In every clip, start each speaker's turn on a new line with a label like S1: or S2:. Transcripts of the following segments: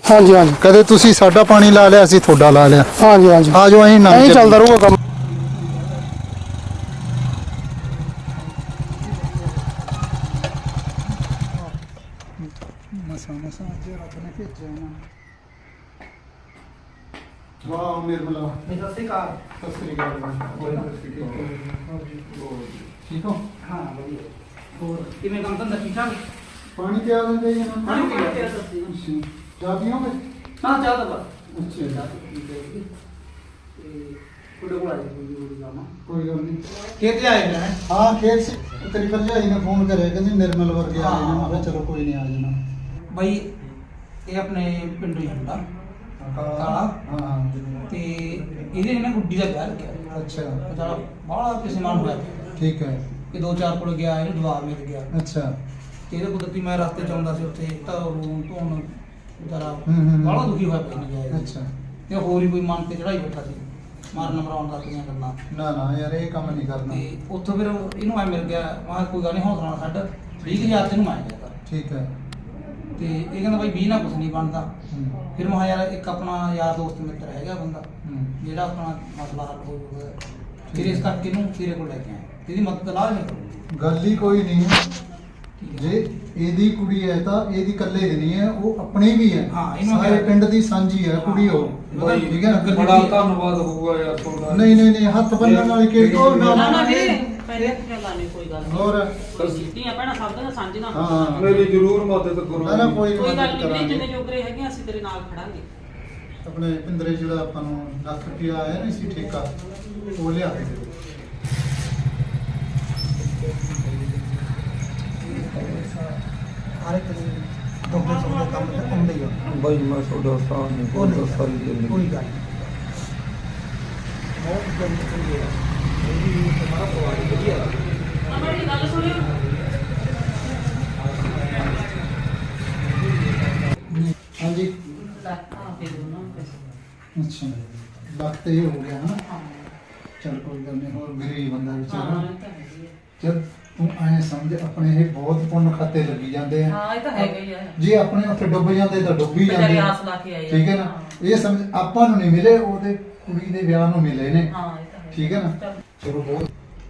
S1: ਹਾਂਜੀ ਹਾਂਜੀ
S2: ਕਦੇ ਤੁਸੀਂ ਸਾਡਾ ਪਾਣੀ ਲਾ ਲਿਆ, ਅਸੀਂ ਤੁਹਾਡਾ ਲਾ ਲਿਆ।
S1: ਹਾਂਜੀ ਹਾਂਜੀ
S2: ਆ ਜਾਓ, ਅਸੀਂ
S1: ਐਂ ਚੱਲਦਾ ਰਹੂਗਾ ਕੰਮ।
S2: ਮਸਾਂ ਅੱਜ ਰੱਬ ਨੇ ਭੇਜਿਆ ਇਹਨਾਂ ਨੂੰ। ਵਾਹ ਨਿਰਮਲਾ,
S3: ਸਤਿ ਸ਼੍ਰੀ ਅਕਾਲ।
S2: ਸਤਿ ਸ੍ਰੀ ਅਕਾਲ। ਠੀਕ ਹੋ?
S3: ਹਾਂ ਵਧੀਆ। ਹੋਰ ਕਿਵੇਂ ਕੰਮ ਧੰਦਾ ਠੀਕ ਠਾਕ?
S2: ਪਾਣੀ ਪਿਆ ਦਿੰਦੇ ਜੀ ਇਹਨਾਂ ਨੂੰ?
S3: ਪਾਣੀ ਪੀ ਕੇ ਦੱਸੀ।
S2: ਅੱਛਾ, ਚਾਹ ਪੀਓਗੇ?
S3: ਹਾਂ ਚਾਹ ਤਾਂ ਬਸ।
S2: ਅੱਛਾ,
S3: ਤੇ ਕੁੜੇ ਕੋਲ ਆਏ ਕੋਈ ਜਾਮਾ।
S2: ਕੋਈ ਗੱਲ ਨਹੀਂ।
S3: ਖੇਤ ਆਏ ਨੇ।
S2: ਹਾਂ ਖੇਤ ਸੀ। ਤੇਰੀ ਭਰਜਾਈ ਨੇ ਫੋਨ ਕਰਿਆ, ਕਹਿੰਦੀ ਨਿਰਮਲ ਵਰਗੇ ਆ ਜਾਣਾ। ਮੈਂ ਕਿਹਾ ਚਲੋ ਕੋਈ ਨਹੀਂ, ਆ ਜਾਣਾ।
S3: ਬਈ ਇਹ ਆਪਣੇ ਪਿੰਡੋਂ ਹੀ ਹੁੰਦਾ ਕਾਲਾ।
S2: ਹਾਂ
S3: ਤੇ ਇਹਦੇ ਨੇ ਗੁੱਡੀ ਦਾ ਵਿਆਹ ਰੱਖਿਆ।
S2: ਅੱਛਾ,
S3: ਬੜਾ ਬਾਹਲਾ ਕਿਸੇ ਮਾਨ ਹੋਇਆ
S2: ਠੀਕ ਹੈ।
S3: ਕਿ ਦੋ ਚਾਰ ਕੋਲ ਗਿਆ, ਇਹਨੂੰ ਜਵਾਬ ਮਿਲ ਗਿਆ।
S2: ਅੱਛਾ,
S3: ਤੇ ਇਹਦੇ ਕੁਦਰਤੀ ਮੈਂ ਰਸਤੇ ਚ ਆਉਂਦਾ ਸੀ, ਉੱਥੇ ਤਾਂ ਰੂਮ ਧੋਣ ਵਿਚਾਰਾ
S2: ਹੂੰ।
S3: ਬਾਹਲਾ ਦੁਖੀ ਹੋਇਆ ਪਿਆ ਨਹੀਂ
S2: ਅੱਛਾ,
S3: ਤੇ ਹੋਰ ਹੀ ਕੋਈ ਮਨ ਤੇ ਚੜਾਈ ਬੈਠਾ ਸੀ, ਮਾਰਨ ਮਰਾਉਣ ਦਾ ਕਿਆਂ ਕਰਨਾ।
S2: ਨਾ ਨਾ ਯਾਰ, ਇਹ ਕੰਮ ਨਹੀਂ ਕਰਨਾ।
S3: ਤੇ ਉੱਥੋਂ ਫਿਰ ਇਹਨੂੰ ਐ ਮਿਲ ਗਿਆ। ਮੈਂ ਕਿਹਾ ਕੋਈ ਗੱਲ ਨਹੀਂ, ਹੌਸਲਾ ਨਾਲ ਛੱਡ, 20,000 ਤੈਨੂੰ ਮੈਂ ਗਿਆ ਕਰ।
S2: ਠੀਕ ਹੈ।
S3: ਤੇ ਇਹ ਕਹਿੰਦਾ ਬਾਈ 20 ਨਾਲ ਕੁਛ ਨਹੀਂ ਬਣਦਾ।
S2: ਹੂੰ,
S3: ਫਿਰ ਮੈਂ ਕਿਹਾ ਯਾਰ ਇੱਕ ਆਪਣਾ ਯਾਰ ਦੋਸਤ ਮਿੱਤਰ ਹੈਗਾ ਬੰਦਾ,
S2: ਹੂੰ।
S3: ਜਿਹੜਾ ਆਪਣਾ ਮਸਲਾ ਹੱਲ ਹੋ ਜਾਊਗਾ। ਫਿਰ ਇਸ ਕਰਕੇ ਇਹਨੂੰ ਤੇਰੇ ਕੋਲ ਲੈ ਕੇ ਆਇਆ, ਇਹਦੀ ਮਦਦ ਲਾਜ ਨਹੀਂ ਕਰੂੰਗੀ।
S2: ਗੱਲ ਹੀ ਕੋਈ ਨਹੀਂ।
S3: ਠੀਕ ਹੈ।
S2: ਜੇ ਇਹਦੀ ਕੁੜੀ ਹੈ ਤਾਂ ਇਹਦੀ ਇਕੱਲੇ ਦੀ ਨਹੀਂ ਹੈ, ਉਹ ਆਪਣੀ ਵੀ ਹੈ।
S3: ਹਾਂ, ਇਹਨੂੰ
S2: ਸਾਰੇ
S3: ਕਿਹਾ।
S2: ਪਿੰਡ ਦੀ ਸਾਂਝੀ ਹੈ ਕੁੜੀ ਉਹ।
S3: ਬਾਈ,
S2: ਠੀਕ ਹੈ ਨਾ?
S4: ਬੜਾ ਧੰਨਵਾਦ ਹੋਊਗਾ ਯਾਰ ਤੁਹਾਡਾ।
S2: ਨਹੀਂ ਨਹੀਂ ਨਹੀਂ, ਹੱਥ ਬੰਨਣ ਵਾਲੀ ਕਿਹੜੀ? ਉਹ ਨਾ
S5: ਨਾ
S2: ਨਾ
S5: ਵੀਰੇ ਪਹਿਲੇ ਗੱਲਾਂ ਨਹੀਂ, ਕੋਈ ਗੱਲ ਨਹੀਂ।
S2: ਹੋਰ
S5: ਧੀਆਂ ਭੈਣਾਂ ਸਭ ਦੀਆਂ ਸਾਂਝੀਆਂ।
S2: ਹਾਂ,
S4: ਮੇਰੀ ਜ਼ਰੂਰ ਮਦਦ ਕਰੋ।
S2: ਨਾ ਨਾ ਕੋਈ
S5: ਕੋਈ ਗੱਲ
S2: ਮਦਦ
S5: ਨਹੀਂ ਵੀਰੇ,
S2: ਕਰਾਂਗੇ।
S5: ਜਿੰਨੇ ਜੋਗਰੇ ਹੈਗੇ ਅਸੀਂ ਤੇਰੇ ਨਾਲ ਖੜਾਂਗੇ।
S2: ਆਪਣੇ ਪਿੰਦਰੇ ਜਿਹੜਾ ਆਪਾਂ ਨੂੰ ਲੱਖ ਰੁਪਇਆ ਆਇਆ ਨਹੀਂ ਸੀ ਠੇਕਾ, ਉਹ ਲਿਆ ਕੇ ਦਿਓ।
S3: ਹਰ ਇੱਕ ਦੇ ਦੋਗੇ ਸੌਦੇ ਕੰਮ ਤੇ ਆਉਂਦੇ ਹੀ ਆ।
S4: ਬਾਈ ਮੈਂ ਤੁਹਾਡਾ ਸਾਥ ਨਹੀਂ
S3: ਉਹ ਨਹੀਂ
S4: ਸਾਰੀ ਜ਼ਿੰਦਗੀ।
S3: ਕੋਈ ਗੱਲ ਨਹੀਂ। ਬਹੁਤ ਚੰਗੀ ਹੈ ਇਹ ਵੀ ਤੁਹਾਡਾ ਪਵਾੜੀ ਵਧੀਆ ਹੈ।
S5: ਮੇਰੀ ਗੱਲ ਸੁਣਿਓ।
S2: ਹਾਂਜੀ,
S5: ਲੱਖ ਦੇ ਦੋ ਨਾ ਪੈਸੇ।
S2: ਅੱਛਾ, ਲੱਖ ਤੇ ਇਹ ਹੋ ਗਿਆ ਨਾ। ਚਲ ਕੋਈ ਗੱਲ ਨਹੀਂ, ਹੋਰ ਗਰੀਬ ਬੰਦਾ
S5: ਹਾਂ
S2: ਵਿਚਾਰਾ।
S5: ਇਹ ਤਾਂ ਹੈਗੀ ਹੈ।
S2: ਜਦ ਤੂੰ ਐਂ ਸਮਝ, ਆਪਣੇ ਇਹ ਬਹੁਤ ਪੁੰਨ ਖਾਤੇ ਲੱਗੀ ਜਾਂਦੇ ਆ।
S5: ਹਾਂ ਇਹ ਤਾਂ ਹੈਗਾ ਹੀ ਹੈ।
S2: ਜੇ ਆਪਣੇ ਉੱਥੇ ਡੁੱਬ ਜਾਂਦੇ ਤਾਂ ਡੁੱਬ ਹੀ
S5: ਵਿਚਾਰੇ
S2: ਜਾਂਦੇ ਆ।
S5: ਆਸ ਲਾ ਕੇ ਆਏ ਆ।
S2: ਠੀਕ ਹੈ ਨਾ? ਇਹ ਸਮਝ, ਆਪਾਂ ਨੂੰ ਨਹੀਂ ਮਿਲੇ, ਉਹਦੇ ਕੁੜੀ ਦੇ ਵਿਆਹ ਨੂੰ ਮਿਲੇ ਨੇ।
S5: ਹਾਂ ਇਹ ਤਾਂ ਹੈ।
S2: ਠੀਕ ਹੈ ਨਾ?
S5: ਚੱਲ।
S2: ਚਲੋ ਬਹੁਤ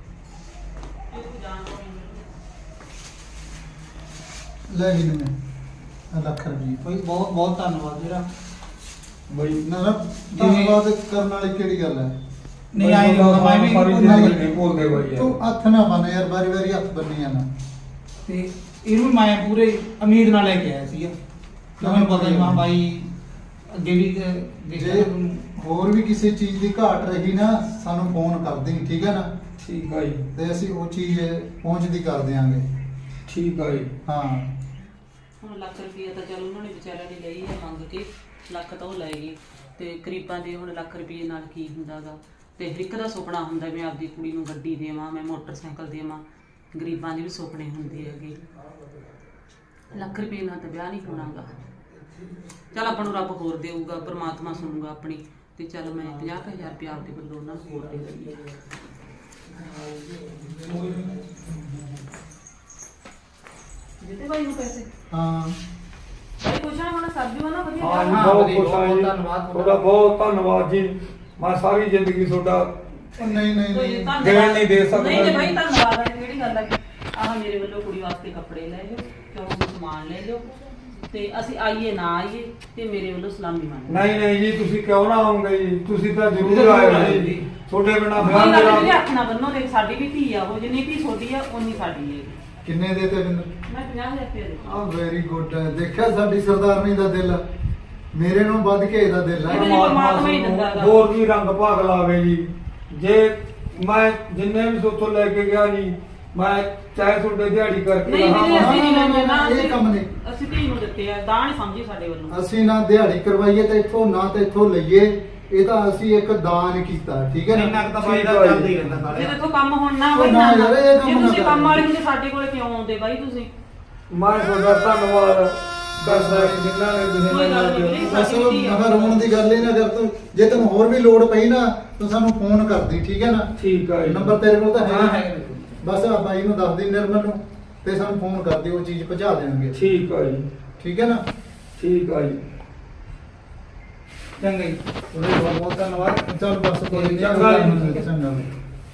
S2: ਲੈ ਵੀ ਨੇ ਲੱਖ ਰੁਪਏ।
S3: ਕੋਈ ਬਹੁਤ ਬਹੁਤ ਧੰਨਵਾਦ ਜਿਹੜਾ
S2: ਬਈ ਨਾ ਨਾ, ਧੰਨਵਾਦ ਕਰਨ ਵਾਲੀ ਕਿਹੜੀ ਗੱਲ ਹੈ?
S3: ਨਹੀਂ ਆਈ ਮੈਂ ਵੀ
S4: ਸਾਰੀ
S2: ਨਹੀਂ।
S4: ਜ਼ਿੰਦਗੀ ਨਹੀਂ ਭੁੱਲਦੇ ਬਾਈ
S2: ਤੂੰ
S4: ਯਾਰ।
S2: ਹੱਥ ਨਾ ਬੰਨ ਯਾਰ, ਵਾਰੀ ਵਾਰੀ ਹੱਥ ਬੰਨੀ ਜਾਣਾ।
S3: ਤੇ ਇਹਨੂੰ ਮੈਂ ਪੂਰੇ ਉਮੀਦ ਨਾਲ ਲੈ ਕੇ ਆਇਆ ਸੀਗਾ। ਤੁਹਾਨੂੰ ਪਤਾ ਹੀ ਮਾਂ ਬਾਈ ਅੱਗੇ ਵੀ
S2: ਜੇ ਹੋਰ ਵੀ ਕਿਸੇ ਚੀਜ਼ ਦੀ ਘਾਟ ਰਹੀ ਨਾ, ਸਾਨੂੰ ਫੋਨ ਕਰ ਦੇਈਂ। ਠੀਕ ਹੈ ਨਾ?
S4: ਠੀਕ ਆ ਜੀ,
S2: ਤੇ ਅਸੀਂ ਉਹ ਚੀਜ਼ ਪਹੁੰਚਦੀ ਕਰ ਦਿਆਂਗੇ।
S4: ਠੀਕ ਆ ਜੀ।
S2: ਹਾਂ,
S5: ਹੁਣ ਲੱਖ ਰੁਪਈਆ ਤਾਂ ਚੱਲ ਉਹਨਾਂ ਨੇ ਵਿਚਾਰਿਆਂ ਨੇ ਲਈ ਹੈ ਮੰਗ ਕੇ, ਲੱਖ ਤਾਂ ਉਹ ਲੈ ਗਏ। ਤੇ ਗਰੀਬਾਂ ਦੇ ਹੁਣ ਲੱਖ ਰੁਪਈਏ ਨਾਲ ਕੀ ਹੁੰਦਾਗਾ। ਤੇ ਹਰ ਇੱਕ ਦਾ ਸੁਪਨਾ ਹੁੰਦਾ ਮੈਂ ਆਪਦੀ ਕੁੜੀ ਨੂੰ ਗੱਡੀ ਦੇਵਾਂ, ਮੈਂ ਮੋਟਰਸਾਈਕਲ ਦੇਵਾਂ। ਗਰੀਬਾਂ ਦੇ ਵੀ ਸੁਪਨੇ ਹੁੰਦੇ ਹੈਗੇ। ਲੱਖ ਰੁਪਏ ਨਾਲ ਤਾਂ ਵਿਆਹ ਨਹੀਂ ਹੋਣਾਗਾ। ਚੱਲ ਆਪਾਂ ਨੂੰ ਰੱਬ ਹੋਰ ਦੇਊਗਾ, ਪਰਮਾਤਮਾ ਸੁਣੂਗਾ ਆਪਣੀ। ਤੇ ਚੱਲ ਮੈਂ 50,000 ਰੁਪਇਆ ਆਪਦੇ ਵੱਲੋਂ ਉਹਨਾਂ ਨੂੰ ਹੋਰ ਦੇ ਦਿੰਦੀ ਹਾਂ। ਜਿੱਤੇ ਭਾਈ ਨੂੰ ਪੈਸੇ
S2: ਹਾਂ।
S5: ਭਾਈ ਕੁਛ ਨਾ ਹੁਣ ਸਰਜੂ ਨਾ ਵਧੀਆ
S4: ਹਾਂ ਜੀ,
S3: ਹਾਂ,
S4: ਬਹੁਤ
S3: ਵਧੀਆ,
S4: ਖੁਸ਼ ਹਾਂ
S3: ਬਹੁਤ
S4: ਜੀ।
S3: ਧੰਨਵਾਦ
S4: ਤੁਹਾਡਾ ਬਹੁਤ ਧੰਨਵਾਦ ਜੀ। ਮੈਂ ਸਾਰੀ ਜ਼ਿੰਦਗੀ ਤੁਹਾਡਾ
S2: ਉਹ ਨਹੀਂ ਨਹੀਂ
S5: ਕੋਈ
S2: ਨਹੀਂ,
S5: ਧੰਨਵਾਦ
S4: ਦੇਣ ਨਹੀਂ ਦੇ ਸਕਦਾ
S5: ਨਹੀਂ
S4: ਜੀ।
S5: ਭਾਈ ਧੰਨਵਾਦ ਹੈ, ਕਿਹੜੀ ਗੱਲ ਹੈ। ਆਹ ਮੇਰੇ ਵੱਲੋਂ ਕੁੜੀ ਵਾਸਤੇ ਕੱਪੜੇ ਲੈ ਲਿਓ, ਕਿਉਂ ਸਮਾਨ ਲੈ ਲਿਓ। ਤੇ ਅਸੀਂ ਆਈਏ ਨਾ ਆਈਏ ਤੇ ਮੇਰੇ ਵੱਲੋਂ ਸਲਾਮੀ ਮੰਨ
S4: ਨਹੀਂ ਨਹੀਂ ਜੀ, ਤੁਸੀਂ ਕਿਉਂ ਨਾ ਆਉਂਗੇ ਜੀ? ਤੁਸੀਂ ਤਾਂ ਜ਼ਰੂਰ ਆਏ ਹੋ ਜੀ। ਤੁਹਾਡੇ ਬਿਨਾਂ ਵਿਆਹ
S5: ਕੋਈ ਗੱਲ ਨਹੀਂ,
S4: ਮੇਰਾ
S5: ਹੱਥ ਨਾ ਬੰਨੋ। ਦੇਖ ਸਾਡੀ ਵੀ ਧੀ ਆ, ਉਹ ਜਿੰਨੀ ਧੀ ਛੋਟੀ ਆ ਉਨੀ ਸਾਡੀ ਹੈ।
S2: ਕਿੰਨੇ ਦੇ ਤੇ ਬਿੰਦਰ?
S5: ਮੈਂ 50,000 ਰੁਪਏ ਦੇ
S2: ਆ ਵੈਰੀ ਗੁੱਡ। ਦੇਖਿਆ ਸਾਡੀ ਸਰਦਾਰਨੀ ਦਾ ਦਿਲ, ਮੇਰੇ ਨੂੰ ਵੱਧ ਕੇ ਇਹਦਾ ਦਿਲ ਹੈ।
S5: ਇਹਦੇ ਲਈ ਪਰਮਾਤਮਾ ਹੀ ਦਿੰਦਾ ਹੈਗਾ।
S4: ਹੋਰ ਵੀ ਰੰਗ ਭਾਗ ਲਾਵੇ ਜੀ। ਜੇ ਮੈਂ ਜਿੰਨੇ ਵੀ ਸੋਥੋਂ ਲੈ ਕੇ ਗਿਆ ਜੀ, ਮੈਂ ਚਾਹੇ ਤੁਹਾਡੇ ਦਿਹਾੜੀ ਕਰਕੇ
S5: ਨਹੀਂ ਵੀਰੇ,
S4: ਰਹਾਂ।
S5: ਅਸੀਂ ਨਹੀਂ ਲੈਂਦੇ ਨਾ।
S2: ਇਹ ਕੰਮ ਨਹੀਂ।
S5: ਅਸੀਂ ਧੀ ਨੂੰ ਦਿੱਤੇ ਆ, ਦਾਨ ਸਮਝੀ ਸਾਡੇ ਵੱਲੋਂ।
S2: ਅਸੀਂ ਨਾ ਦਿਹਾੜੀ ਕਰਵਾਈਏ ਤੇ ਇੱਥੋਂ ਨਾ ਤੇ ਇੱਥੋਂ ਲਈਏ। ਇਹ ਤਾਂ ਅਸੀਂ ਇੱਕ ਦਾਨ ਕੀਤਾ। ਠੀਕ ਹੈ
S3: ਇੰਨਾ
S2: ਨਾ?
S3: ਕੁ ਤਾਂ ਬਾਈ ਦਾ ਚੱਲਦਾ ਹੀ ਰਹਿੰਦਾ
S5: ਜੇ
S3: ਨਾਲੇ।
S5: ਦੇਖੋ ਕੰਮ ਹੁਣ ਨਾ
S2: ਉਹ
S5: ਹੋਈ
S2: ਨਾ
S5: ਨਾ,
S2: ਯਾਰ, ਇਹ ਕੰਮ
S5: ਜੇ
S2: ਨਾ
S5: ਤੁਸੀਂ
S2: ਕਰ।
S5: ਕੰਮ ਵਾਲੇ ਹੁੰਦੇ ਸਾਡੇ ਕੋਲ ਕਿਉਂ ਆਉਂਦੇ ਬਾਈ ਤੁਸੀਂ?
S4: ਮੈਂ ਤੁਹਾਡਾ ਧੰਨਵਾਦ ਕਰਦਾ ਜਿਨ੍ਹਾਂ ਨੇ ਤੁਸੀਂ
S5: ਕੋਈ ਗੱਲ ਨਹੀਂ
S4: ਮੈਨੂੰ
S5: ਵੀਰੇ।
S2: ਬਸ ਮਗਰ ਰੋਣ ਦੀ ਗੱਲ ਹੀ ਨਾ ਕਰ ਤੂੰ। ਜੇ ਤੈਨੂੰ ਹੋਰ ਵੀ ਲੋੜ ਪਈ ਨਾ ਤੂੰ ਸਾਨੂੰ ਫੋਨ ਕਰਦੀ। ਠੀਕ ਹੈ ਨਾ?
S4: ਠੀਕ ਆ ਜੀ।
S2: ਨੰਬਰ ਤੇਰੇ ਕੋਲ ਤਾਂ
S3: ਹਾਂ
S2: ਹੈ।
S3: ਹੈ।
S2: ਬਸ ਆ ਬਾਈ ਨੂੰ ਦੱਸ ਦੇ ਨਿਰਮਲ ਨੂੰ, ਤੇ ਸਾਨੂੰ ਫੋਨ ਕਰਦੀ, ਉਹ ਚੀਜ਼ ਪਹੁੰਚਾ ਦੇਣਗੇ।
S4: ਠੀਕ ਆ ਜੀ।
S2: ਠੀਕ ਹੈ ਨਾ?
S4: ਠੀਕ ਆ ਜੀ।
S3: ਚੰਗਾ ਜੀ
S4: ਤੁਹਾਡੇ ਬਹੁਤ ਬਹੁਤ ਧੰਨਵਾਦ।
S2: ਚੱਲ ਬਸ ਕੋਈ ਨੀ,
S4: ਚੰਗਾ ਜੀ।
S2: ਚੰਗਾ ਬਈ।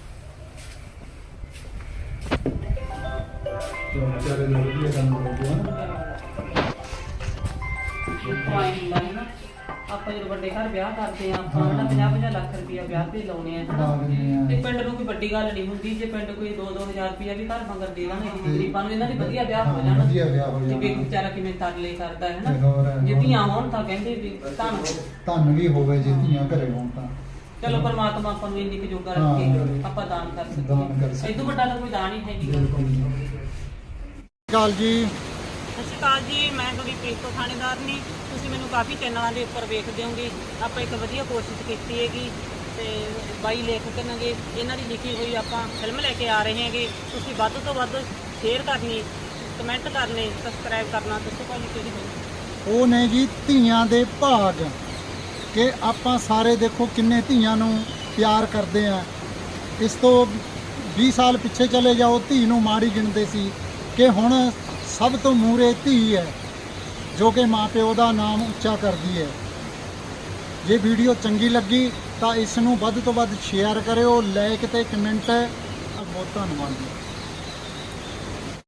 S2: ਚਲੋ ਵਿਚਾਰੇ ਦਾ ਵਧੀਆ ਕੰਮ ਹੋ ਗਿਆ।
S5: ਆਪਾਂ ਜਦੋਂ ਵੱਡੇ ਘਰ ਵਿਆਹ ਕਰਦੇ ਆ ਆਪਾਂ ਨਾ 50-50 ਲੱਖ ਰੁਪਇਆ ਵਿਆਹ ਤੇ ਲਾਉਣੇ ਆ
S2: ਲਾ ਦਿੰਦੇ ਆ।
S5: ਤੇ ਪਿੰਡ ਨੂੰ ਕੋਈ ਵੱਡੀ ਗੱਲ ਨਹੀਂ ਹੁੰਦੀ ਜੇ ਪਿੰਡ ਕੋਈ 2-2000 ਰੁਪਇਆ ਵੀ ਘਰ ਮੰਗਰ ਦੇ ਦੇਣ ਇਹ ਗਰੀਬਾਂ ਨੂੰ ਇਹਨਾਂ ਦੇ ਵਧੀਆ ਵਿਆਹ ਹੋ ਜਾਣ।
S2: ਵਧੀਆ ਵਿਆਹ ਹੋ
S5: ਜਿਵੇਂ
S2: ਜਾਣਾ।
S5: ਵਿਚਾਰਾ ਕਿਵੇਂ ਤਰਲੇ ਕਰਦਾ ਹੈ
S2: ਤੇ ਹੋਰ,
S5: ਨਾ, ਜੇ ਧੀਆਂ ਹੋਣ ਤਾਂ ਕਹਿੰਦੇ ਵੀ ਧੰਨ ਹੋ।
S2: ਧੰਨ ਵੀ ਹੋਵੇ ਜੇ ਧੀਆਂ ਘਰੇ ਹੋਣ ਤਾਂ।
S5: ਚਲੋ ਪਰਮਾਤਮਾ ਆਪਾਂ ਨੂੰ ਇੰਨੀ ਕੁ ਜੋਗਾ
S2: ਹਾਂ।
S5: ਰੱਖੇ ਆਪਾਂ ਦਾਨ ਕਰ
S2: ਦਾਨ ਕਰ
S5: ਸਕੀਏ।
S2: ਸਕੀਏ।
S5: ਇਹ ਤੋਂ ਵੱਡਾ ਤਾਂ ਕੋਈ ਦਾਨ ਹੀ ਹੈ ਨਹੀਂ।
S2: ਬਿਲਕੁਲ ਜੀ। ਕਾਲ ਜੀ।
S5: ਸਤਿ ਸ਼੍ਰੀ ਅਕਾਲ ਜੀ, ਮੈਂ ਤੁਹਾਡੀ ਪ੍ਰੀਤੋ ਥਾਣੇਦਾਰਨੀ। ਤੁਸੀਂ ਮੈਨੂੰ ਕਾਫੀ ਚੈਨਲਾਂ ਦੇ ਉੱਪਰ ਵੇਖਦੇ ਹੋਗੇ। ਆਪਾਂ ਇੱਕ ਵਧੀਆ ਕੋਸ਼ਿਸ਼ ਕੀਤੀ ਹੈਗੀ ਤੇ ਬਾਈ ਲੇਖਕ ਨੇਗੇ, ਇਹਨਾਂ ਦੀ ਲਿਖੀ ਹੋਈ ਆਪਾਂ ਫਿਲਮ ਲੈ ਕੇ ਆ ਰਹੇ ਹੈਗੇ। ਤੁਸੀਂ ਵੱਧ ਤੋਂ ਵੱਧ ਸ਼ੇਅਰ ਕਰਨੀ, ਕਮੈਂਟ ਕਰਨੇ, ਸਬਸਕ੍ਰਾਈਬ ਕਰਨਾ। ਦੱਸੋ ਭਾਜੀ ਕਿਹੜੀ ਹੋਈ?
S2: ਉਹ ਨੇ ਜੀ ਧੀਆਂ ਦੇ ਭਾਗ, ਕਿ ਆਪਾਂ ਸਾਰੇ ਦੇਖੋ ਕਿੰਨੇ ਧੀਆਂ ਨੂੰ ਪਿਆਰ ਕਰਦੇ ਆ। ਇਸ ਤੋਂ 20 ਸਾਲ ਪਿੱਛੇ ਚਲੇ ਜਾਓ, ਧੀ ਨੂੰ ਮਾੜੀ ਗਿਣਦੇ ਸੀ, ਕਿ ਹੁਣ ਸਭ ਤੋਂ ਮੂਹਰੇ ਧੀ ਹੈ ਜੋ ਕਿ ਮਾਂ ਪਿਓ ਦਾ ਨਾਮ ਉੱਚਾ ਕਰਦੀ ਹੈ। ਜੇ ਵੀਡੀਓ ਚੰਗੀ ਲੱਗੀ ਤਾਂ ਇਸ ਨੂੰ ਵੱਧ ਤੋਂ ਵੱਧ ਸ਼ੇਅਰ ਕਰਿਓ, ਲਾਈਕ ਤੇ ਕਮੈਂਟ। ਬਹੁਤ ਧੰਨਵਾਦ ਜੀ।